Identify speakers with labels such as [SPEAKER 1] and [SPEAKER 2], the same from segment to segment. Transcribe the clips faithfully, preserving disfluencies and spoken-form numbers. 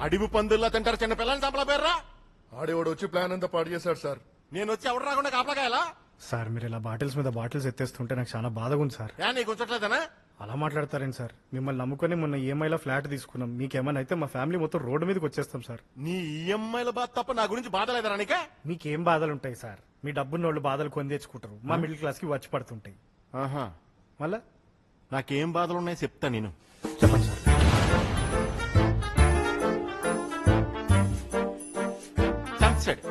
[SPEAKER 1] అడివి పందుల్లో తింటారు చిన్న పిల్లల్ని చంపల పేర్రా.
[SPEAKER 2] ఆడేవాడు వచ్చి ప్లాన్ అంతా పాడు చేశాడు సార్.
[SPEAKER 1] నేను వచ్చి ఎవడు రాకుండా కాపలాకాయలా?
[SPEAKER 3] సార్ మీరు ఇలా బాటిల్స్ మీద బాటిల్స్ ఎత్తేస్తుంటే నాకు చాలా బాధగా ఉంది సార్.
[SPEAKER 1] ఏ నీకు ఉంచట్లేదనా?
[SPEAKER 3] అలా మాట్లాడతారేంటి సార్? మిమ్మల్ని నమ్ముకొని మొన్న ఈఎంఐలో ఫ్లాట్ తీసుకున్నాం. మీకేమైనా అయితే మా ఫ్యామిలీ మొత్తం రోడ్డు మీదకి వచ్చేస్తాం సార్.
[SPEAKER 1] నీ ఈఎంఐల బాధ తప్ప నా గురించి బాధ లేదరా నీకే?
[SPEAKER 3] మీకేం బాధలు ఉంటాయి సార్? మీ డబ్బున్న వాళ్ళు బాధలు కొని తెచ్చుకుంటారు, మా మిడిల్ క్లాస్ కి వచ్చి పడుతుంటాయి.
[SPEAKER 1] ఆహా,
[SPEAKER 3] మళ్ళా
[SPEAKER 1] నాకేం బాధలు ఉన్నాయో చెప్తా నేను.
[SPEAKER 3] చెప్పండి సార్.
[SPEAKER 1] సన్సెట్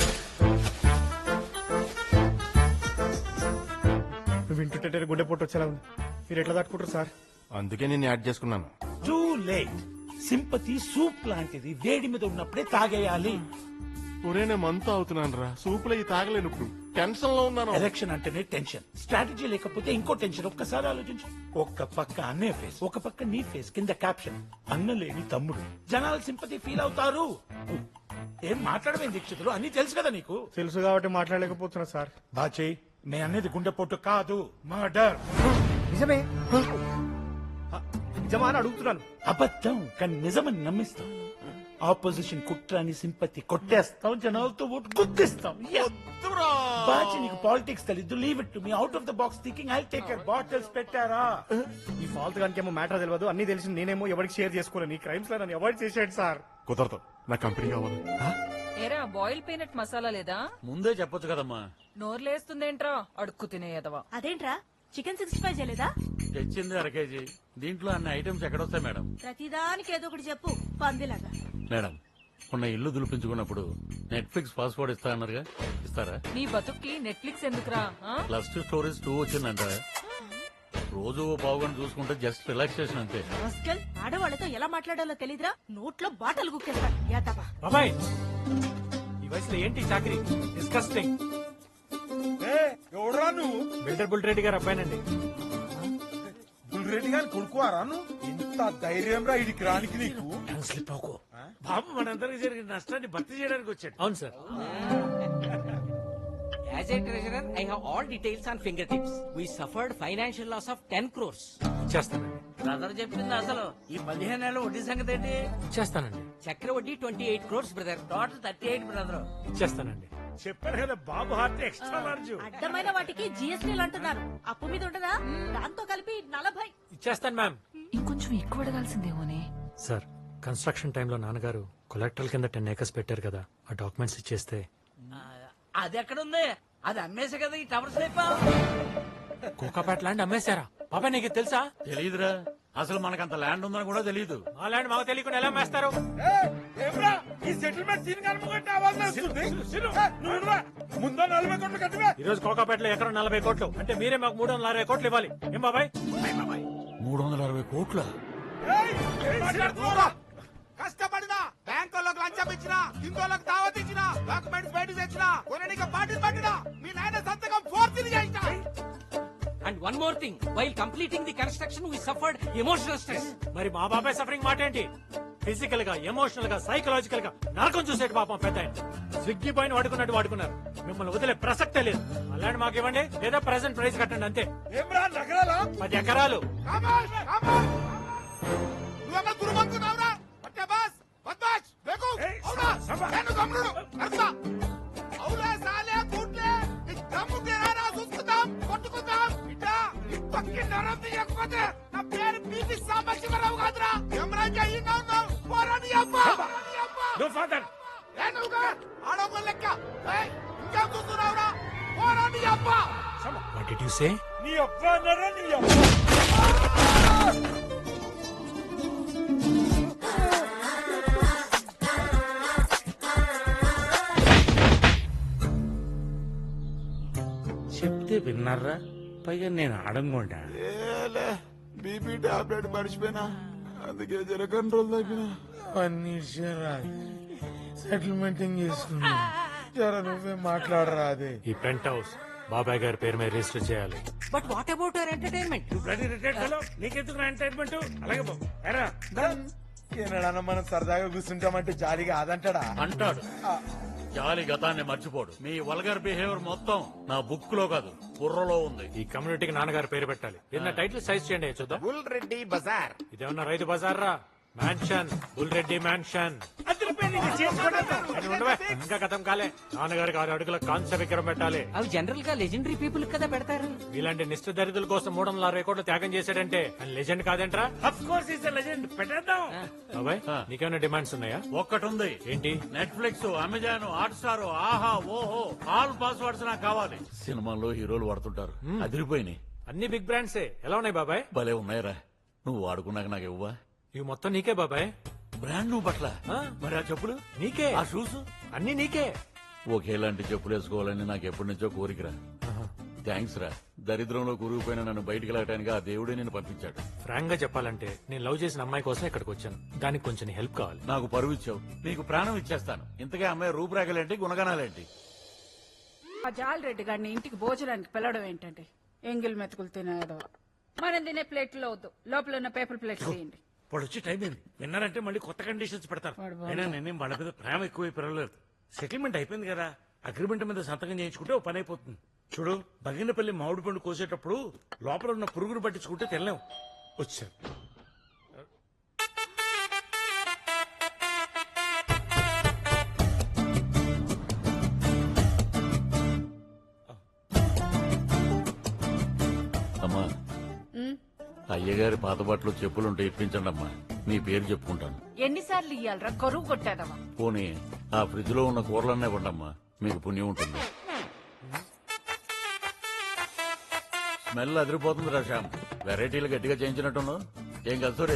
[SPEAKER 3] వింటుంటే గుండె పొట్టు వచ్చేలా ఉంది. మీరు ఎట్లా తట్టుకుంటారు సార్?
[SPEAKER 1] అందుకే నేను యాడ్ చేసుకున్నాను.
[SPEAKER 4] Too late. సింపతి సూప్ లాంటిది, వేడి మీద ఉన్నప్పుడే తాగేయాలి.
[SPEAKER 1] ఒరే నేను మంతా అవుతున్నాను రా, సూపులో ఈ తాగలేను. ఇప్పుడు టెన్షన్ లో ఉన్నాను.
[SPEAKER 4] ఎలక్షన్ అంటేనే టెన్షన్, స్ట్రాటజీ లేకపోతే ఇంకో టెన్షన్. ఒక్కసారి ఆలోచించు. ఒక్క పక్క అన్నయ్య ఫేస్, ఒక పక్క నీ ఫేస్, కింద క్యాప్షన్ అన్న లేని తమ్ముడు. జనాలు సింపతి ఫీల్ అవుతారు. ఏం మాట్లాడమే దీక్షితులు, అన్ని తెలుసు కదా నీకు.
[SPEAKER 3] తెలుసు కాబట్టి మాట్లాడలేకపోతున్నా సార్.
[SPEAKER 4] బాచే నే అనేది గుండెపోటు కాదు, మర్డర్.
[SPEAKER 3] నిజమే నిజమా అని అడుగుతున్నాను.
[SPEAKER 4] అబద్ధం కానీ నిజమని నమ్మిస్తాం. ఆపోజిషన్ కుట్రాని సింపతి కొట్టేస్తాం, జనాలతో ఓటు గుర్తిస్తాం. బాచి నీకు పాలిటిక్స్ తెలీదు. Leave it to me. Out of the box thinking. I take care. Bottles పెట్టారా?
[SPEAKER 3] ఈ ఫాల్త్ గానికేమో మ్యాటర్ తెలియదు, అన్ని తెలిసి నేనేమో ఎవరికి షేర్ చేసుకోలేను. ఈ క్రైమ్స్ లో నన్ను అవాయిడ్ చేసాడు సార్.
[SPEAKER 1] కుదరదు, నా కంపెనీ కావాలి.
[SPEAKER 5] ఏరా బాయిల్ పీనట్ మసాలా లేదా?
[SPEAKER 6] ముందే చెప్పొచ్చు కదమ్మా.
[SPEAKER 5] నోర్లేస్తుందేంట్రా అడుక్కు తినేయదవా?
[SPEAKER 7] అదేంట్రా చికెన్ సిక్స్టీ ఫైవ్ చేయలేదా?
[SPEAKER 6] తెచ్చింది అర కేజీ. దీంట్లో అన్ని ఐటమ్స్ ఎక్కడొస్తాయి మేడం?
[SPEAKER 7] ప్రతిదానికి ఏదో ఒకటి చెప్పు పందిలాగా.
[SPEAKER 6] మేడం మొన్న ఇల్లు దులిపించుకున్నప్పుడు నెట్ఫ్లిక్స్ పాస్వర్డ్ ఇస్తా అన్నారుగా, ఇస్తారా?
[SPEAKER 5] నీ బతుక్కి నెట్ఫ్లిక్స్ ఎందుకురా? ఆ?
[SPEAKER 6] ప్లస్ టూ స్టోరీస్ టూ వచ్చిందంట. రోజు ఓ పావుగంట చూసుకుంటే జస్ట్ రిలాక్సేషన్ అంతే.
[SPEAKER 7] మస్కల్ ఆడవాళ్ళతో ఎలా మాట్లాడాలో తెలీదురా. నోట్లో బాటలు గుక్కేస్తాడు. యాదవా.
[SPEAKER 8] బాబాయ్ ఈ వయసులో ఏంటి చాకరీ? డిస్కస్టింగ్.
[SPEAKER 4] ఎవడరా నువ్వు?
[SPEAKER 8] బిల్డర్ బుల్ రెడ్డి గారు అబ్బాయినండి.
[SPEAKER 4] బుల్రెడ్డి గారిని కొడుకువారా నువ్వు? ఇంత ధైర్యం రా ఇడికి రానికి నీకు?
[SPEAKER 8] బాబు మనందరికి జరిగిన నష్టాన్ని భర్తీ చేయడానికి వచ్చాడు. అవును sir.
[SPEAKER 9] As a treasurer, I have all details on fingertips. We suffered financial loss of ten crores.
[SPEAKER 8] చేస్తానండి.
[SPEAKER 9] బ్రదర్ చెప్పింది అసలు. ఈ పదిహేను నెలల వడ్డీ సంగతి ఏంటి?
[SPEAKER 8] చేస్తానండి.
[SPEAKER 9] చక్ర వడ్డీ twenty eight crores brother. Total thirty eight brother.
[SPEAKER 8] చేస్తానండి.
[SPEAKER 4] చెప్పారు కదా బాబు హార్ట్ ఎక్స్ట్రా లార్జ్.
[SPEAKER 7] అడ్డమైన వాటికి జిఎస్టీలు అంటున్నారు. అప్పు మీద ఉంటదా? దాంతో కలిపి నలభై.
[SPEAKER 8] ఇచ్చేస్తాను మ్యామ్.
[SPEAKER 5] ఇంకొంచెం ఎక్కువ అడగాల్సిందేమోనే.
[SPEAKER 8] సార్ కన్స్ట్రక్షన్ టైంలో నాన్నగారు కొలెక్టర్ల కింద టెన్ ఏకర్స్ పెట్టారు కదా, ఆ డాక్యుమెంట్స్ ఇచ్చేస్తే.
[SPEAKER 9] అది ఎక్కడుంది? అది అమ్మేసే కదా ఈ టవర్స్ లేపా.
[SPEAKER 8] కోకాపేట ల్యాండ్ అమ్మేశారా? బాబాయ్ నీకు తెలుసా?
[SPEAKER 6] తెలీదురా, అసలు మనకంత ల్యాండ్ ఉందని కూడా తెలీదు.
[SPEAKER 8] మా ల్యాండ్ మాకు తెలియకుండా ఎలా అమ్మేస్తారు?
[SPEAKER 4] ఈ సెటిల్మెంట్ సీన్ కనుకుంటే ముందు నలభై కోట్లు కట్టివా.
[SPEAKER 8] ఈ రోజు కోకాపేటలో ఎకరం నలభై కోట్లు అంటే మీరే మాకు మూడు వందల అరవై కోట్లు ఇవ్వాలి. ఏం బాబాయ్?
[SPEAKER 6] మూడు వందల అరవై కోట్ల
[SPEAKER 4] కష్టపడినా బ్యాంకులకు లంచం ఇచ్చినా, హిందువులకు దావత్ ఇచ్చినా, డాక్యుమెంట్స్ బయట తెచ్చినా, కొనడానికి పార్టీలు పట్టినా, మీ నాయన సంతకం ఫోర్త్ చేసినా.
[SPEAKER 9] And one more thing, while completing the construction, we suffered emotional stress.
[SPEAKER 8] మరి మా బాబాయ్ సఫరింగ్ మాట ఏంటి? ఫిజికల్ గా, ఎమోషనల్ గా, సైకలాజికల్ గా నరకం చూసేటి పాపం పెద్ద ఆయన. స్విగ్గీ పైన వాడుకున్నట్టు వాడుకున్నారు. మిమ్మల్ని వదిలే ప్రసక్తే లేదు. అలాంటి మాకు ఇవ్వండి లేదా ప్రెసెంట్ ప్రైస్ కట్టండి అంతే.
[SPEAKER 4] ఏమ్రా నగరాలా?
[SPEAKER 8] పది ఎకరాలు.
[SPEAKER 4] నువ్వేమో దుర్మనుకున్నావురా? పట్టే బాస్ బద్మాష్ బేకు అవునా? నేను గమ్ముడు అర్సా అవులా సాలే కూట్లే నీ దమ్ము తెరారా చూసుకుందాం, కొట్టుకుందాం. ఇట్టా ఈ పక్కి నరం తీయకపోతే నా పేరు పీపీ సాంబశివరావు కాదురా. ఎమరాజా ఈనా ఉన్నావు పోరాని అబ్బ. నో ఫాదర్ ఏనుగా ఆడొక లెక్క. ఏయ్ ఇంకా చూస్తున్నావురా? పోరాని అబ్బ.
[SPEAKER 8] What did you say?
[SPEAKER 4] నీ అబ్బ నర నీ అబ్బ.
[SPEAKER 6] చెప్తే విన్నారా? పైగా నేను ఆడంగుంటా.
[SPEAKER 4] బీపీ టాబ్లెట్ మర్చిపోయినా, అందుకే జర కంట్రోల్ తగ్గిన. అన్ని సెటిల్మెంట్ చేసుకున్నా. జర నువ్వే మాట్లాడరా. అదే
[SPEAKER 8] ఈ పెంట్ హౌస్ బాబాయ్ గారి పేరు మీద రిజిస్టర్ చేయాలి.
[SPEAKER 9] But what about our entertainment?
[SPEAKER 8] నీకెందుకు ఎంటర్టైన్మెంట్? అలాగే బాబు.
[SPEAKER 4] ఏనాడన్నా మనం సరదాగా కూర్చుంటామంటే జాలిగా అదంటాడా?
[SPEAKER 6] అంటాడు. జాలి గతాన్ని మర్చిపోడు. మీ వల్గర్ బిహేవియర్ మొత్తం నా బుక్ లో కాదు బుర్రలో ఉంది.
[SPEAKER 8] ఈ కమ్యూనిటీకి నాన్నగారు పేరు పెట్టాలి. నిన్న టైటిల్ సైజ్ చేయండి చూద్దాం.
[SPEAKER 4] Bull Reddy bazaar.
[SPEAKER 8] ఇదేమన్నా రైతు బజార్ రా? మ్యాన్షన్ బుల్రెడ్డి మ్యాన్షన్ అని ఉండవే, ఇంకా గతం కాలే. నాన్నగారికి ఆరు అడుగుల కాంస్య విగ్రహం పెట్టాలి.
[SPEAKER 9] అవి జనరల్ గా లెజెండరీ పీపుల్ కదా పెడతారు.
[SPEAKER 8] ఇలాంటి నిష్ఠ దరిద్రుల కోసం మూడు వందల అరవై కోట్లు త్యాగం చేశాడంటే లెజెండ్ కాదేంట్రా? బాబాయ్ నీకేమైనా డిమాండ్స్ ఉన్నాయా?
[SPEAKER 6] ఒక్కటుంది.
[SPEAKER 8] ఏంటి?
[SPEAKER 6] నెట్ఫ్లిక్స్, అమెజాన్, హాట్ స్టార్, ఆహా, ఓహో, ఆల్ పాస్వర్డ్స్ నాకు కావాలి. సినిమాల్లో హీరోలు వాడుతుంటారు, అదిరిపోయినాయి.
[SPEAKER 8] అన్ని బిగ్ బ్రాండ్సే. ఎలా ఉన్నాయి బాబాయ్?
[SPEAKER 6] భలే ఉన్నాయిరా. నువ్వు వాడుకున్నాక నాకు ఇవ్వవా?
[SPEAKER 8] ఇవి మొత్తం నీకే బాబాయ్.
[SPEAKER 6] బ్రాండ్ నువ్వు పట్ల
[SPEAKER 8] ఆ?
[SPEAKER 6] మరి ఆ చెప్పులు
[SPEAKER 8] నీకే.
[SPEAKER 6] ఆ షూస్
[SPEAKER 8] అన్ని నీకే.
[SPEAKER 6] ఒకేలాంటి చెప్పులు వేసుకోవాలని నాకు ఎప్పటి నుంచో కోరికరా. థ్యాంక్స్ రా. దరిద్రంలో కూరుకుపోయిన నన్ను బయటికి వెళ్ళటానికి ఆ దేవుడే నేను పంపించాడు.
[SPEAKER 8] ఫ్రాంక్ గా చెప్పాలంటే నేను లవ్ చేసిన అమ్మాయి కోసం ఇక్కడికి వచ్చాను. దానికి కొంచెం హెల్ప్ కావాలి.
[SPEAKER 6] నాకు పరువు ఇచ్చావు, నీకు ప్రాణం ఇచ్చేస్తాను. ఇంతకే అమ్మాయి రూపురేఖలేంటి, గుణగణాలేంటి?
[SPEAKER 7] ఆ జాలరెడ్డి గారిని ఇంటికి భోజనానికి పిలవడం ఏంటంటే ఎంగిల్ మెతుకులు తినేదో. మనం తినే ప్లేట్లో వద్దు, లోపల ఉన్న పేపర్ ప్లేట్ తీయండి.
[SPEAKER 10] వాడు వచ్చి టైం అయింది. విన్నారంటే మళ్ళీ కొత్త కండిషన్స్ పెడతారు. అయినా నేనేం వాళ్ళ మీద ప్రేమ ఎక్కువ పెరగలేదు. సెటిల్మెంట్ అయిపోయింది కదా, అగ్రిమెంట్ మీద సంతకం చేయించుకుంటే ఓ పని అయిపోతుంది. చూడు, బగినపల్లి మామిడి పండు కోసేటప్పుడు లోపల ఉన్న పురుగును పట్టించుకుంటే తెల్లాం. వచ్చారు.
[SPEAKER 6] అమ్మా, అయ్యగారి పాత బట్టలు చెప్పులుంటే ఇప్పించండి అమ్మా. మీ పేరు చెప్పుకుంటాను.
[SPEAKER 7] ఎన్నిసార్లు ఇయ్యాలరా, కరువు కొట్టేదవా?
[SPEAKER 6] పోనీ ఆ ఫ్రిడ్జ్ లో ఉన్న కూరలన్నీ ఇవ్వండమ్మా, మీకు పుణ్యం ఉంటుంది. స్మెల్ అదిరిపోతుంది రా శ్యామ్. వెరైటీలు గట్టిగా చేయించినట్టున్నావు. ఏం కలుసోరే?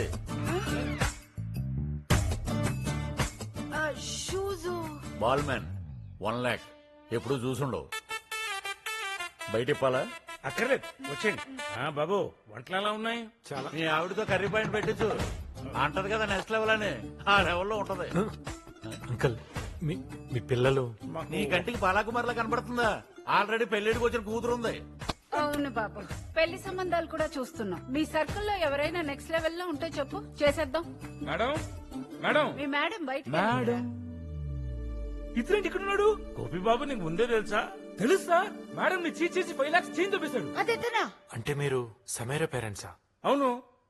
[SPEAKER 7] షూజు
[SPEAKER 6] బాల్ మ్యాన్ వన్ లాక్ ఎప్పుడు చూసుండవు. బయట ఇప్పాలా?
[SPEAKER 10] అక్కర్లేదు, వచ్చేయండి. ఆ, బాబు వంటలు ఎలా ఉన్నాయి?
[SPEAKER 8] చాలా.
[SPEAKER 6] మీ ఆవిడతో కర్రీ పాయింట్ పెట్టించు. అంటది కదా నెక్స్ట్ లెవెల్ అని. ఆ లెవెల్లో ఉంటది.
[SPEAKER 8] అంకల్ మీ మీ పిల్లలు
[SPEAKER 6] నీ కంటికి బాలాకుమార్లా కనబడుతుందా? ఆల్రెడీ పెళ్లిడికి వచ్చిన కూతురుంది.
[SPEAKER 7] అవును బాబు, పెళ్లి సంబంధాలు కూడా చూస్తున్నాం. మీ సర్కిల్లో ఎవరైనా నెక్స్ట్ లెవెల్ లో ఉంటే చెప్పు, చేసేద్దాం.
[SPEAKER 10] మేడం మేడం
[SPEAKER 7] మీ మేడం బయట
[SPEAKER 10] మేడం ఇతరేంటి ఇక్కడ ఉన్నాడు? గోపి బాబు నీకు ముందే తెలుసా? తెలుసా? మేడం నీ చీజ్ చేసి ఫైవ్ లాక్స్ చేంజ్ చూపిస్తాడు.
[SPEAKER 7] అదేనా?
[SPEAKER 8] అంటే మీరు సమీర పేరెంట్సా?
[SPEAKER 10] అవును.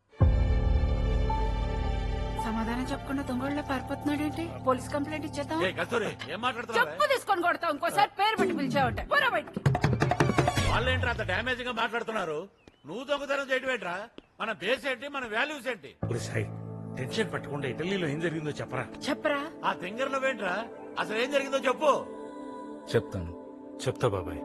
[SPEAKER 7] సమాధానం చెప్పకుండా దొంగళ్ళ పారిపోతున్నాడేంటి? పోలీస్ కంప్లైంట్ ఇచ్చేద్దాం.
[SPEAKER 6] ఏ కస్తూరి, ఏం మాట్లాడుతున్నావు?
[SPEAKER 7] చెప్పు తీసుకొని కొడతాం. ఇంకోసారి పేరు పెట్టి పిలిచావంటే పోరా బయటికి.
[SPEAKER 6] వాళ్ళేంట్రా అంత డ్యామేజ్ గా మాట్లాడుతున్నారు? నువ్వు దొంగతనం చేయడం ఏంట్రా? మన బేస్ ఏంటి, మన వాల్యూస్ ఏంటి?
[SPEAKER 10] ఒరే సాయి, టెన్షన్ పట్టకుండా ఇటలీలో ఏం జరిగిందో చెప్పరా?
[SPEAKER 7] చెప్పరా.
[SPEAKER 6] ఆ తింగర్ నువ్వేంట్రా? అసలు ఏం జరిగిందో చెప్పు.
[SPEAKER 10] చెప్తాను.
[SPEAKER 8] చెప్తా బాబాయ్.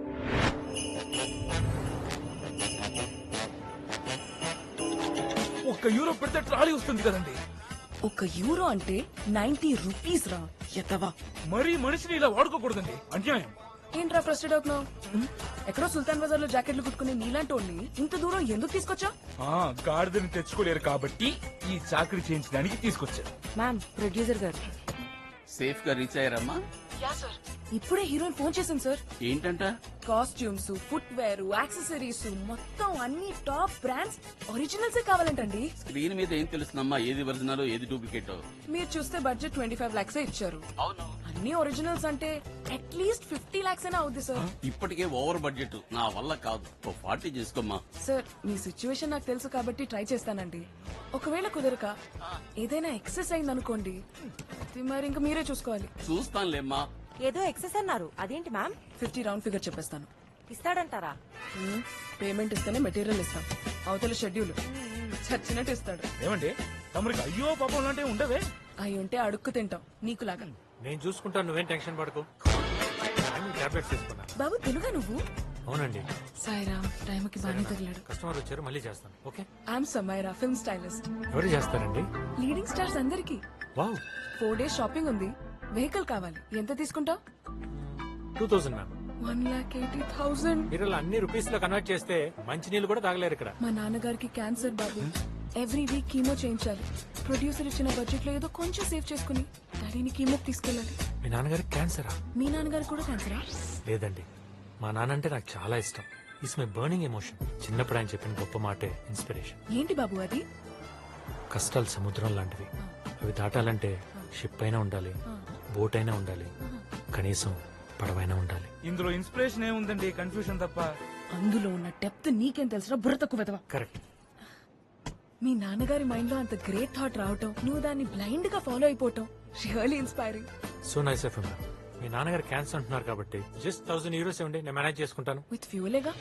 [SPEAKER 10] ఒక్క యూరో పెడితే ట్రాలీ వస్తుంది కదండి.
[SPEAKER 5] ఒక యూరో అంటే నైన్టీ రూపీస్ రా ఎత్తవా.
[SPEAKER 10] మరీ మనిషిని ఇలా వాడుకోకూడదండి, అన్యాయం.
[SPEAKER 5] ఏంట్రా ఫ్రస్ట్రేట్ అవుతున్నావు? ఎక్కడో సుల్తాన్ బజార్ లో జాకెట్లు కుట్టుకుని నీలాంటి వాళ్ళని ఇంత దూరం ఎందుకు తీసుకొచ్చా?
[SPEAKER 10] ఆ గాడిదని తెచ్చుకోలేరు కాబట్టి ఈ చాకరీ చేయించడానికి తీసుకొచ్చారు.
[SPEAKER 5] మ్యామ్, ప్రొడ్యూసర్ గారు.
[SPEAKER 11] సేఫ్ గా రీచ్ అయ్యారమ్మా?
[SPEAKER 5] ఇప్పుడే హీరోయిన్ ఫోన్ చేశాను సార్.
[SPEAKER 11] ఏంటంట?
[SPEAKER 5] కాస్ట్యూమ్స్, ఫుట్ వేర్, యాక్సెసరీస్ మొత్తం అన్ని టాప్ బ్రాండ్స్ ఒరిజినల్స్ కావాలంటండి.
[SPEAKER 11] స్క్రీన్ మీద ఏం తెలుస్తుందమ్మా ఏది ఒరిజినల్ ఏది డూప్లికేట్?
[SPEAKER 5] మీరు చూస్తే బడ్జెట్ ట్వంటీ ఫైవ్ లాక్స్ ఇచ్చారు.
[SPEAKER 11] అవును.
[SPEAKER 5] అన్ని ఒరిజినల్స్ అంటే అట్లీస్ట్ ఫిఫ్టీ లాక్స్ అయినా అవుద్ది సార్.
[SPEAKER 11] ఇప్పటికే ఓవర్ బడ్జెట్ నా వల్ల కాదు. ఓ ఫార్టీ చేసుకోమ్మా.
[SPEAKER 5] సార్, మీ సిచ్యువేషన్ నాకు తెలుసు కాబట్టి ట్రై చేస్తానండి. ఒకవేళ కుదరక ఏదైనా ఎక్సెస్ అయింది అనుకోండి, మరి ఇంకా మీరే చూసుకోవాలి.
[SPEAKER 11] చూస్తానులేమ్మా.
[SPEAKER 12] ఏదో ఎక్సెస్ అన్నారు, అదేంటి మ్యామ్?
[SPEAKER 5] ఫిఫ్టీ రౌండ్ ఫిగర్ చెప్పేస్తాను.
[SPEAKER 12] ఇస్తాడంటారా?
[SPEAKER 5] పేమెంట్ ఇస్తేనే మెటీరియల్ ఇస్తాం. అవతల షెడ్యూల్ చచ్చినట్టు ఇస్తాడు.
[SPEAKER 10] ఏమండి తమరికి అయ్యో పాపం లాంటివి ఉండవే?
[SPEAKER 5] అవి ఉంటే అడుక్కు తింటాం నీకులాగా.
[SPEAKER 8] నేను చూసుకుంటాను, నువ్వేం టెన్షన్ పడకు. టాబ్లెట్స్ తీసుకున్నా.
[SPEAKER 5] బాబు తెలుగా నువ్వు?
[SPEAKER 8] అవునండి.
[SPEAKER 5] సాయిరామ్, టైంకి బాగానే తగిలాడు.
[SPEAKER 8] కస్టమర్ వచ్చారు, మళ్ళీ చేస్తాను. Okay.
[SPEAKER 5] I'm Samaira, film stylist.
[SPEAKER 8] ఎవరు చేస్తారండి?
[SPEAKER 5] లీడింగ్ స్టార్స్ అందరికి.
[SPEAKER 8] వావ్.
[SPEAKER 5] ఫోర్ డేస్ షాపింగ్ ఉంది. వెహికల్ కావాలి. ఎంత తీసుకుంటావు?
[SPEAKER 8] Two thousand ma'am.
[SPEAKER 5] One lakh eighty thousand.
[SPEAKER 8] మీరు ఇలా అన్ని రూపీస్ లో కన్వర్ట్ చేస్తే మంచి నీళ్ళు కూడా తాగలేరు ఇక్కడ.
[SPEAKER 5] మా నాన్నగారికి క్యాన్సర్ బాబు. ఎవ్రీ వీక్ కీమో చేయించాలి. ప్రొడ్యూసర్ ఇచ్చిన బడ్జెట్ లో ఏదో కొంచెం సేవ్ చేసుకుని డాడీని కీమో తీసుకెళ్ళాలి.
[SPEAKER 8] మీ నాన్నగారికి క్యాన్సరా?
[SPEAKER 5] మీ నాన్నగారికి కూడా క్యాన్సరా?
[SPEAKER 8] లేదండి, మా నాన్న అంటే నాకు చాలా ఇష్టం. It's my burning emotion. చిన్నప్పుడు ఆయన చెప్పిన గొప్ప మాటే ఇన్స్పిరేషన్.
[SPEAKER 5] ఏంటి బాబు అది?
[SPEAKER 8] కష్టాలు సముద్రం లాంటివి. అవి దాటాలంటే షిప్ అయినా ఉండాలి, బోట్ అయినా ఉండాలి, కనీసం పడవైనా ఉండాలి.
[SPEAKER 10] ఇందులో ఇన్స్పిరేషన్ ఏముందండి, కన్ఫ్యూషన్ తప్ప.
[SPEAKER 5] అందులో ఉన్న డెప్త్ నీకేం తెలుసురా, బుర్ర తక్కువ వెదవా.
[SPEAKER 8] కరెక్ట్.
[SPEAKER 5] మీ నాన్నగారి మైండ్ లో అంత గ్రేట్ థాట్ రావటం నువ్వు దాన్ని బ్లైండ్ గా ఫాలో అయిపోవటం really inspiring.
[SPEAKER 8] So nice of ma'am. మీ నాన్నగారు క్యాన్సర్ అంటున్నారు కాబట్టి జస్ట్ థౌసండ్ యూరోస్ ఇవ్వండి, నేను మేనేజ్ చేసుకుంటాను.
[SPEAKER 5] విత్ ఫ్యూలేగా.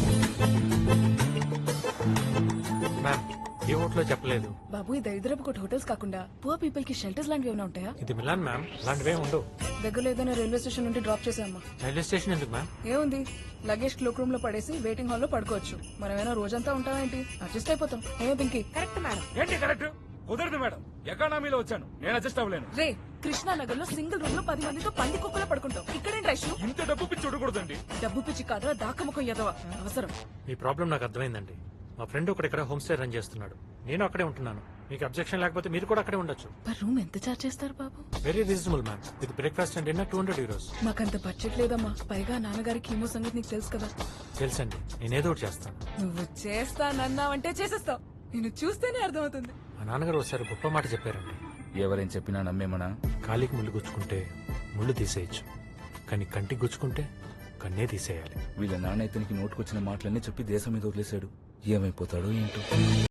[SPEAKER 8] మ్యామ్ ఏ హోటల్లో చెప్పలేదు.
[SPEAKER 5] బాబు ఈ దరిద్రపు కొట్టు హోటల్స్ కాకుండా పూర్ పీపుల్ కి షెల్టర్స్ లాంటివి ఏమైనా ఉంటాయా?
[SPEAKER 8] ఇది మిలాన్ మ్యామ్, అలాంటివే ఉండవు.
[SPEAKER 5] దగ్గరలో ఏదైనా రైల్వే స్టేషన్ నుండి డ్రాప్ చేసామ్మా.
[SPEAKER 8] రైల్వే స్టేషన్ ఎందుకు మ్యామ్?
[SPEAKER 5] ఏముంది, లగేజ్ క్లోక్ రూమ్ లో పడేసి వెయిటింగ్ హాల్ లో పడుకోవచ్చు. మనమేనా రోజంతా ఉంటావా ఏంటి? అడ్జస్ట్ అయిపోతాం. ఏమో పింకి?
[SPEAKER 12] Correct madam.
[SPEAKER 13] ఏంటి కరెక్ట్? కుదరదు మేడం, ఎకానమీలో వచ్చాను, నేను అడ్జస్ట్ అవ్వలేను.
[SPEAKER 5] రే, కృష్ణానగర్ లో సింగిల్ రూమ్ లో పది మందితో పంది కుక్కలో పడుకుంటాం. ఇక్కడేంటి రైషు?
[SPEAKER 13] ఇంత డబ్బు పిచ్చి చూడకూడదండి.
[SPEAKER 5] డబ్బు పిచ్చి కాదురా, దాకముఖం ఎదవ అవసరం.
[SPEAKER 8] మీ ప్రాబ్లం నాకు అర్థమైందండి. మా ఫ్రెండ్ ఒకటి ఇక్కడ హోమ్ స్టే రన్ చేస్తున్నాడు, నేను అక్కడే ఉంటున్నాను. మీకు అబ్జెక్షన్ లేకపోతే మీరు కూడా అక్కడే ఉండొచ్చు.
[SPEAKER 5] పర్ రూమ్ ఎంత చార్జ్ చేస్తారు బాబు?
[SPEAKER 8] Very reasonable ma'am, with breakfast and dinner two hundred euros.
[SPEAKER 5] మాకంత బడ్జెట్ లేదమ్మా. పైగా నాన్నగారి కీమో సంగతి నీకు తెలుసు కదా.
[SPEAKER 8] తెలుసండి, నేనేదో ఒకటి చేస్తాను.
[SPEAKER 5] నువ్వు చేస్తానన్నావంటే చేసేస్తావు. నేను చూస్తేనే అర్థమవుతుంది.
[SPEAKER 8] మా నాన్నగారు ఒకసారి గొప్ప మాట చెప్పారండి.
[SPEAKER 13] ఎవరేం చెప్పినా నమ్మేమనా?
[SPEAKER 8] కాలికి ముళ్ళు గుచ్చుకుంటే ముళ్ళు తీసేయచ్చు, కానీ కంటికి గుచ్చుకుంటే కన్నే తీసేయాలి.
[SPEAKER 13] వీళ్ళ నాన్న ఇతనికి నోటుకొచ్చిన మాటలన్నీ చెప్పి దేశం మీద వదిలేశాడు. ఏమైపోతాడో ఏంటో.